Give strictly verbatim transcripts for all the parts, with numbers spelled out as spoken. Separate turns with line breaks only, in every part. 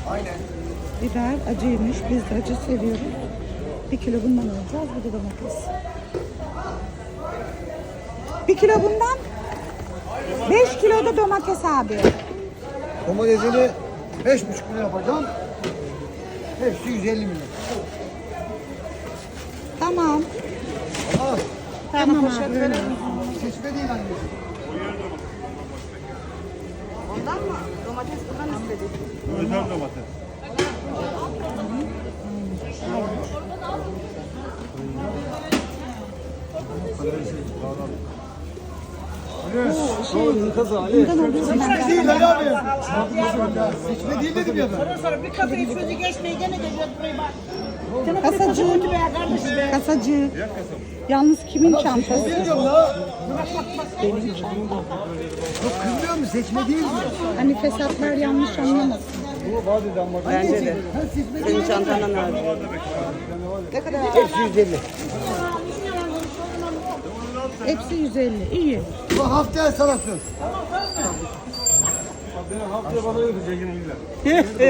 Biber acıymış. Biz de acı seviyoruz. Bir kilo bundan alacağız. Bir de domates. Bir kilo bundan. Beş kilo da domates abi.
Domatesini beş buçuk kilo yapacağım. Hepsi yüz elli milyon.
Tamam.
Tamam.
Tamam abi.
Seçme değil anneciğim.
Ondan mı? Domates buradan istedik.
Özel domates.
Şey, bundan alıyorum ben.
Seçme değil Ali abi. Seçme değil dedim ya ben.
Ondan sonra bir kafayı sözü geçmeye gene geliyor buraya bak.
Kasacı. Kasacı. Yalnız kimin çantası?
Bilmiyorum la. Çok kızmıyor mu? Seçme değil mi?
Hani fesatlar yanlış anlamasın.
Bence de.
Ha, seçme değil.
Senin çantandan abi.
Hepsi yüz elli.
Hepsi yüz elli. İyi.
Bu haftaya sana söz.
Haftaya bana ödeyecek yine illa.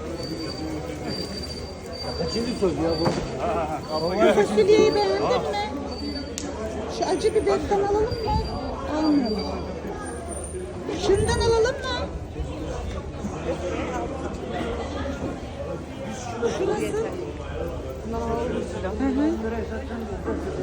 Kaçıncı söz ya bu?
Fasulyeyi beğendin mi? Şu acı biberden alalım mı? Almayalım. Şundan alalım mı? Şurası. Hı hı.